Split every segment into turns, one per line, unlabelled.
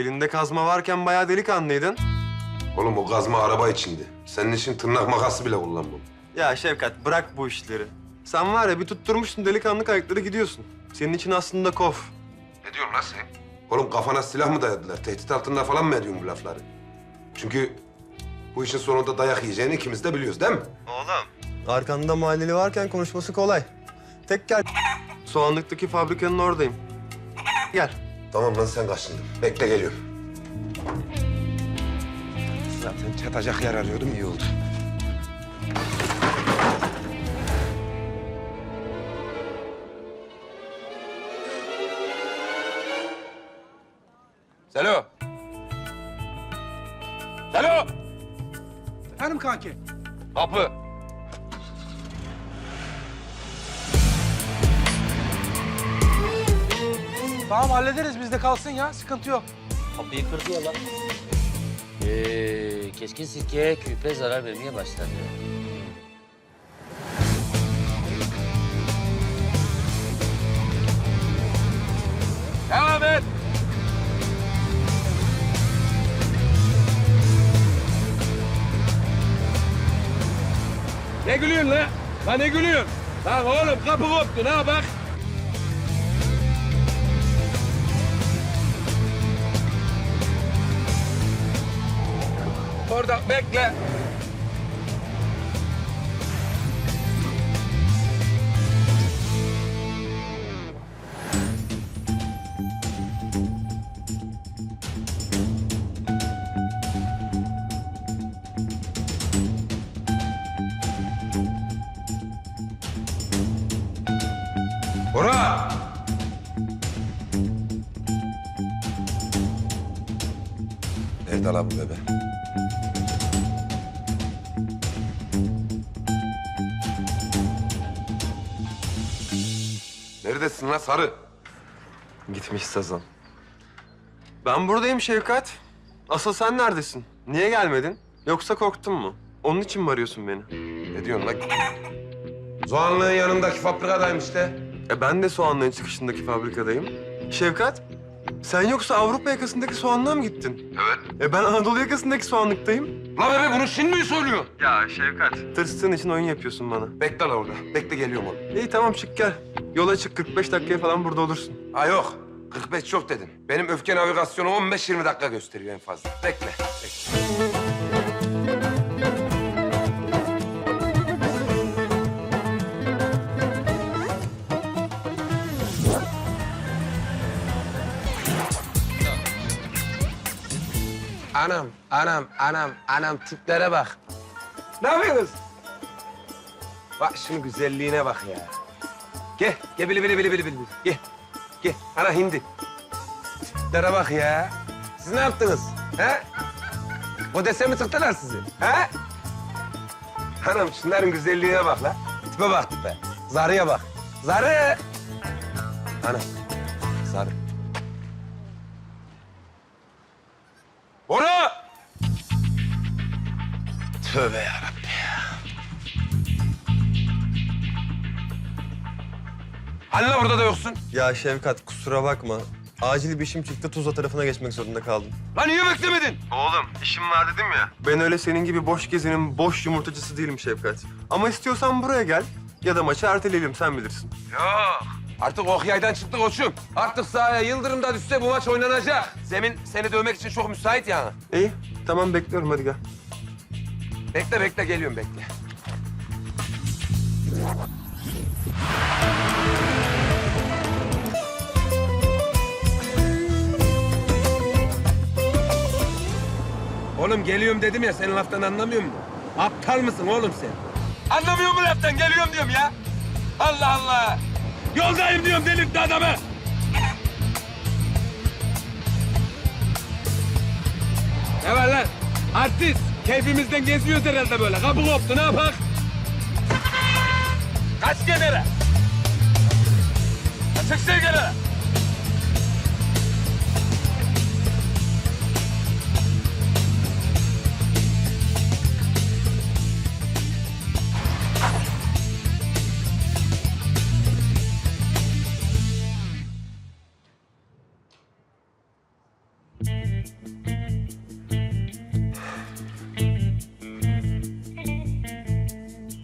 elinde kazma varken bayağı delikanlıydın.
Oğlum o kazma araba içindi. Senin için tırnak makası bile kullanmam.
Ya Şevkat bırak bu işleri. Sen var ya bir tutturmuşsun delikanlı ayakları gidiyorsun. Senin için aslında kof.
Ne diyorsun lan sen? Oğlum kafana silah mı dayadılar? Tehdit altında falan mı ediyorsun bu lafları? Çünkü bu işin sonunda dayak yiyeceğini ikimiz de biliyoruz değil mi?
Oğlum. Arkanda mahalleli varken konuşması kolay. Tek gel. Soğanlıktaki fabrikanın oradayım. Gel.
Tamam lan sen kaçındın. Bekle geliyorum. Zaten çatacak yer arıyordum iyi oldu. Selo. Selo.
Efendim kanki?
Kapı.
Tamam hallederiz bizde kalsın ya sıkıntı yok.
Kapıyı kırdı ya lan. Keskin sirkeye küpe zarar vermeye başladı.
Devam et.
Ne gülüyorsun lan? Lan ne gülüyorsun? Lan oğlum kapı koptu ne bak. Orada bekle.
Bora! Nerede lan bu bebe? Neredesin lan sarı?
Gitmiş Sazan. Ben buradayım Şevkat. Asıl sen neredesin? Niye gelmedin? Yoksa korktun mu? Onun için mi arıyorsun beni?
Ne diyorsun lan? Zoğanlığın yanındaki fabrikadayım işte.
Ben de soğanların çıkışındaki fabrikadayım. Şevkat, sen yoksa Avrupa yakasındaki soğanlığa mı gittin?
Evet.
Ben Anadolu yakasındaki soğanlıktayım.
La bebe bunu şimdi mi söylüyorsun?
Ya Şevkat. Tırstığın için oyun yapıyorsun bana.
Bekle la orada. Bekle geliyorum oğlum.
İyi tamam çık gel. Yola çık 45 dakikaya falan burada olursun.
Ha yok. 45 çok dedin. Benim öfke navigasyonu 15-20 dakika gösteriyor en fazla. Bekle. Bekle. Anam tiplere bak. Ne yapıyorsunuz? Bak şunun güzelliğine bak ya. Gel bili. Gel. Ana hindi. Tiplere bak ya. Siz ne yaptınız? He? O dese mi tıktılar sizi? He? Anam şunların güzelliğine bak la. Tipe bak tipe. Zarıya bak. Zarı. Anam. Zarı. Bora! Tövbe yarabbim ya. Anne orada da yoksun.
Ya Şevkat kusura bakma. Acil bir işim çıktı Tuzla tarafına geçmek zorunda kaldım.
Lan niye beklemedin?
Oğlum işim var dedim ya. Ben öyle senin gibi boş gezenin boş yumurtacısı değilim Şevkat. Ama istiyorsan buraya gel ya da maçı erteleyelim sen bilirsin.
Yok. Artık ok yaydan çıktı koçum. Artık sahaya Yıldırım da düşse bu maç oynanacak. Zemin seni dövmek için çok müsait yani.
İyi tamam bekliyorum hadi gel.
Bekle geliyorum bekle. Oğlum geliyorum dedim ya senin laftan anlamıyor musun? Aptal mısın oğlum sen? Anlamıyor mu laftan? Geliyorum diyorum ya. Allah Allah. Yoldayım diyorum delirtti adamı. Ne var lan? Artist. Keyfimizden geziyoruz herhalde böyle. Kapı koptu ne yapak? Kaç kenara. Çık kenara.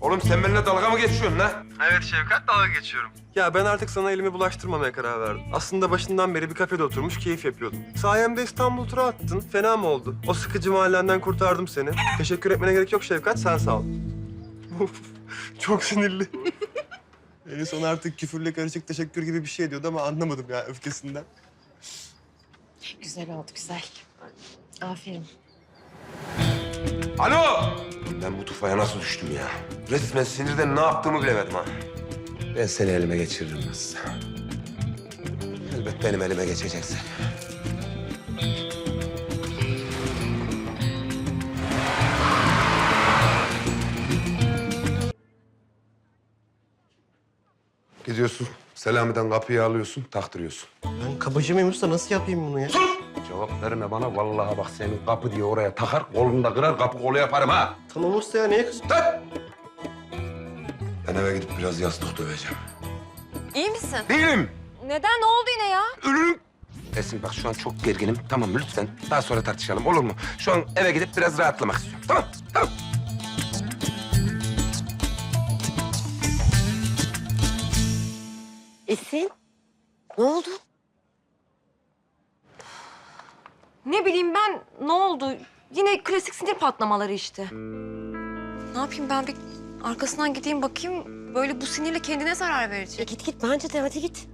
Oğlum sen benimle dalga mı geçiyorsun lan?
Evet Şevkat, dalga geçiyorum. Ya ben artık sana elimi bulaştırmamaya karar verdim. Aslında başından beri bir kafede oturmuş keyif yapıyordum. Sayemde İstanbul turu attın. Fena mı oldu? O sıkıcı mahallenden kurtardım seni. Teşekkür etmene gerek yok Şevkat, sen sağ ol. Of, çok sinirli. En son artık küfürle karışık teşekkür gibi bir şey diyordu ama anlamadım ya öfkesinden.
Güzel oldu, güzel. Aferin.
Alo! Ben bu tufaya nasıl düştüm ya? Resmen sinirden ne yaptığımı bilemedim ha. Ben seni elime geçiririm nasılsa. Elbet benim elime geçeceksin. Gidiyorsun. Selami'den kapıyı alıyorsun, taktırıyorsun.
Ben kabacı mıyım usta? Nasıl yapayım bunu ya?
Cevap verme bana. Vallahi bak senin kapı diye oraya takar, kolunu da kırar, kapı kolu yaparım ha.
Tamam usta ya, niye kızıyorsun?
Dur! Ben eve gidip biraz yastık döveceğim.
İyi misin?
Değilim.
Neden? Ne oldu yine ya?
Ölürüm. Esin bak şu an çok gerginim. Tamam mı? Lütfen daha sonra tartışalım olur mu? Şu an eve gidip biraz rahatlamak istiyorum. Tamam, tamam.
Esin, ne oldu?
Ne bileyim ben, ne oldu? Yine klasik sinir patlamaları işte. Ne yapayım ben, bir arkasından gideyim bakayım. Böyle bu sinirle kendine zarar verecek.
Git git, bence de hadi git.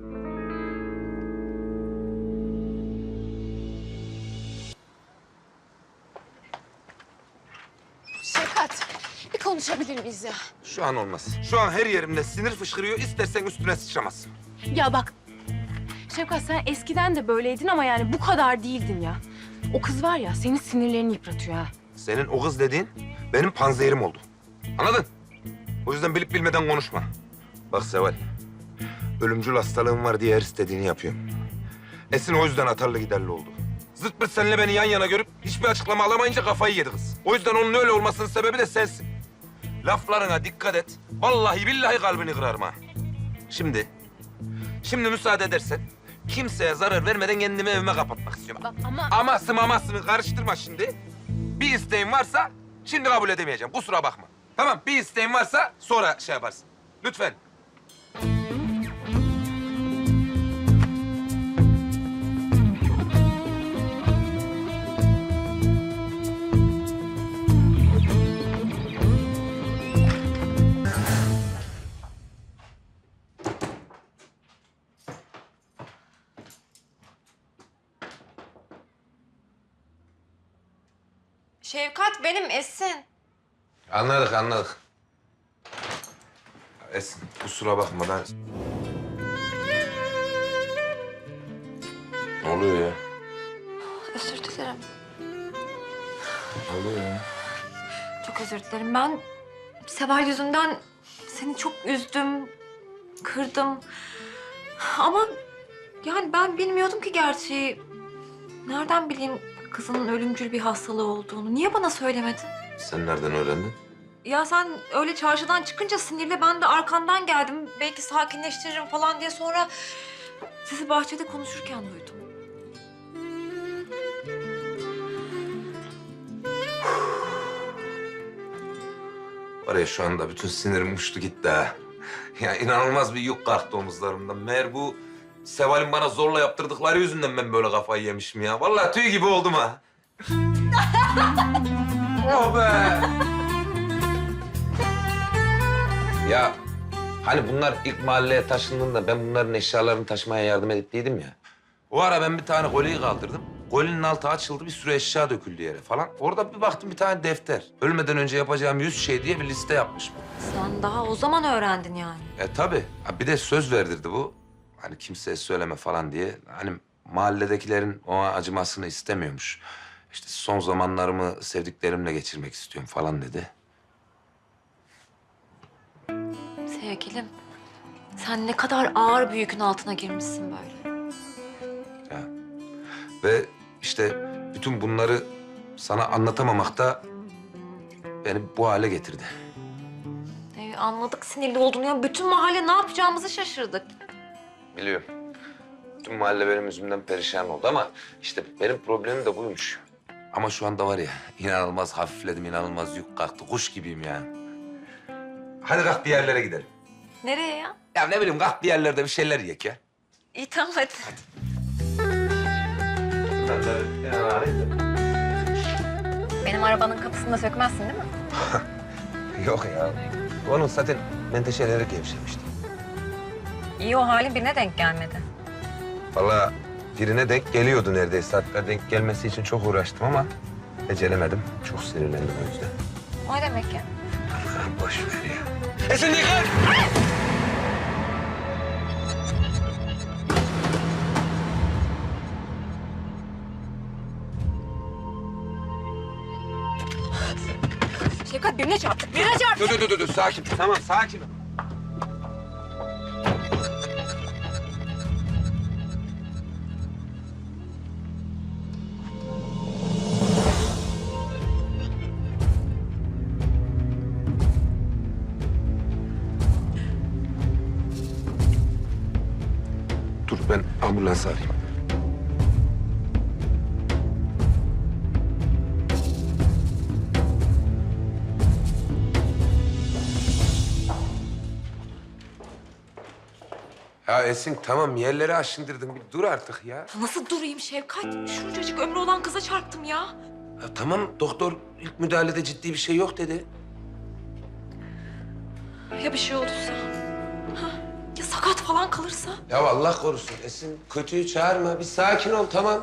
Şefkat, bir konuşabilir miyiz ya?
Şu an olmaz. Şu an her yerimde sinir fışkırıyor. İstersen üstüne sıçramazsın.
Ya bak, Şefkat sen eskiden de böyleydin ama yani bu kadar değildin ya. O kız var ya, senin sinirlerini yıpratıyor ha.
Senin o kız dediğin benim panzehirim oldu. Anladın? O yüzden bilip bilmeden konuşma. Bak Seval, ölümcül hastalığım var diye her istediğini yapıyorum. Esin o yüzden atarlı giderli oldu. Zırt pırt seninle beni yan yana görüp hiçbir açıklama alamayınca kafayı yedi kız. O yüzden onun öyle olmasının sebebi de sensin. Laflarına dikkat et. Vallahi billahi kalbini kırarım ha. Şimdi müsaade edersen kimseye zarar vermeden kendimi evime kapatmak istiyorum.
Bak ama...
Aması mamasını karıştırma şimdi. Bir isteğin varsa şimdi kabul edemeyeceğim. Kusura bakma. Tamam, bir isteğin varsa sonra şey yaparsın. Lütfen.
Şevkat benim, Esin.
Anladık. Esin, kusura bakma ben... Ne oluyor ya?
Özür dilerim.
Ne oluyor ya?
Çok özür dilerim. Ben Seval yüzünden seni çok üzdüm, kırdım. Ama yani ben bilmiyordum ki gerçeği. Nereden bileyim kızının ölümcül bir hastalığı olduğunu? Niye bana söylemedin?
Sen nereden öğrendin?
Ya sen öyle çarşıdan çıkınca sinirle ben de arkandan geldim. Belki sakinleştiririm falan diye, sonra sizi bahçede konuşurken duydum.
Var ya şu anda bütün sinirim uçtu gitti ha. Ya inanılmaz bir yük kalktı omuzlarımdan. Meğer bu Seval'in bana zorla yaptırdıkları yüzünden ben böyle kafayı yemişim ya. Vallahi tüy gibi oldum ha. Oh be! Ya hani bunlar ilk mahalleye taşındığında ben bunların eşyalarını taşımaya yardım ettiydim ya. O ara ben bir tane koliyi kaldırdım. Kolinin altı açıldı, bir sürü eşya döküldü yere falan. Orada bir baktım bir tane defter. Ölmeden önce yapacağım 100 şey diye bir liste yapmış bu.
Sen daha o zaman öğrendin yani.
Tabii. Ha, bir de söz verdirdi bu. Hani kimseye söyleme falan diye. Hani mahalledekilerin ona acımasını istemiyormuş. İşte son zamanlarımı sevdiklerimle geçirmek istiyorum falan dedi.
Sevgilim, sen ne kadar ağır bir yükün altına girmişsin böyle.
Ya. Ve işte bütün bunları sana anlatamamak da beni bu hale getirdi.
Anladık sinirli olduğunu ya. Bütün mahalle ne yapacağımızı şaşırdık.
Biliyorum. Bütün mahalle benim yüzümden perişan oldu ama işte benim problemim de buymuş. Ama şu anda var ya inanılmaz hafifledim, inanılmaz yük kalktı. Kuş gibiyim ya. Hadi kalk bir yerlere gidelim.
Nereye ya?
Ya ne bileyim kalk bir yerlerde bir şeyler yiyek ya.
İyi tamam hadi. Benim arabanın kapısını da sökmezsin değil mi?
Yok ya. Onun zaten menteşeleri gevşemişti.
İyi o halin birine denk gelmedi.
Vallahi birine denk geliyordu neredeyse. Hatta denk gelmesi için çok uğraştım ama beceremedim. Çok sinirlendim o yüzden.
O ne demek ya?
Boş ver ya. Esin yıkar!
Şefkat birine çarptık. Birine çarptık.
Dur. Sakin. Tamam sakin ol. Dur ben ambulans arayayım. Ya Esin tamam yerleri aşındırdın. Bir dur artık ya.
Nasıl durayım Şefkat? Şuncacık ömrü olan kıza çarptım ya.
Ya tamam doktor ilk müdahalede ciddi bir şey yok dedi.
Ya bir şey olursa? Ha? Ya sakat falan kalırsa?
Ya Allah korusun Esin kötüyü çağırma. Bir sakin ol tamam.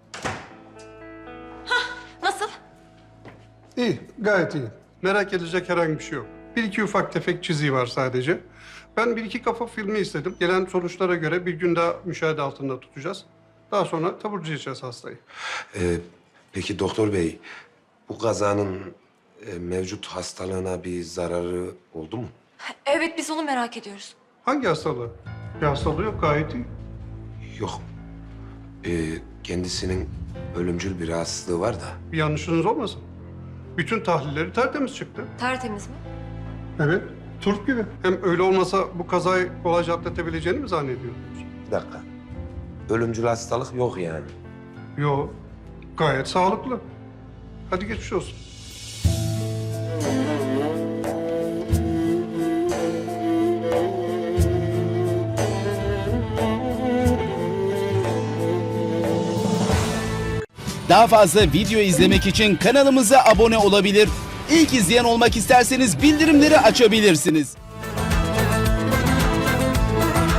Nasıl?
İyi, gayet iyi. Merak edecek herhangi bir şey yok. Bir iki ufak tefek çiziği var sadece. Ben bir iki kafa filmi istedim. Gelen sonuçlara göre bir gün daha müşahede altında tutacağız. Daha sonra taburcu edeceğiz hastayı.
Peki doktor bey bu kazanın mevcut hastalığına bir zararı oldu mu?
Evet biz onu merak ediyoruz.
Hangi hastalığı? Bir hastalığı yok, gayet iyi.
Yok. Kendisinin ölümcül bir rahatsızlığı var da.
Bir yanlışınız olmasın. Bütün tahlilleri tertemiz çıktı.
Tertemiz mi?
Evet, turp gibi. Hem öyle olmasa bu kazayı kolayca atlatabileceğini mi zannediyordunuz?
Bir dakika. Ölümcül hastalık yok yani.
Yok, gayet sağlıklı. Hadi geçmiş olsun.
Daha fazla video izlemek için kanalımıza abone olabilir. İlk izleyen olmak isterseniz bildirimleri açabilirsiniz.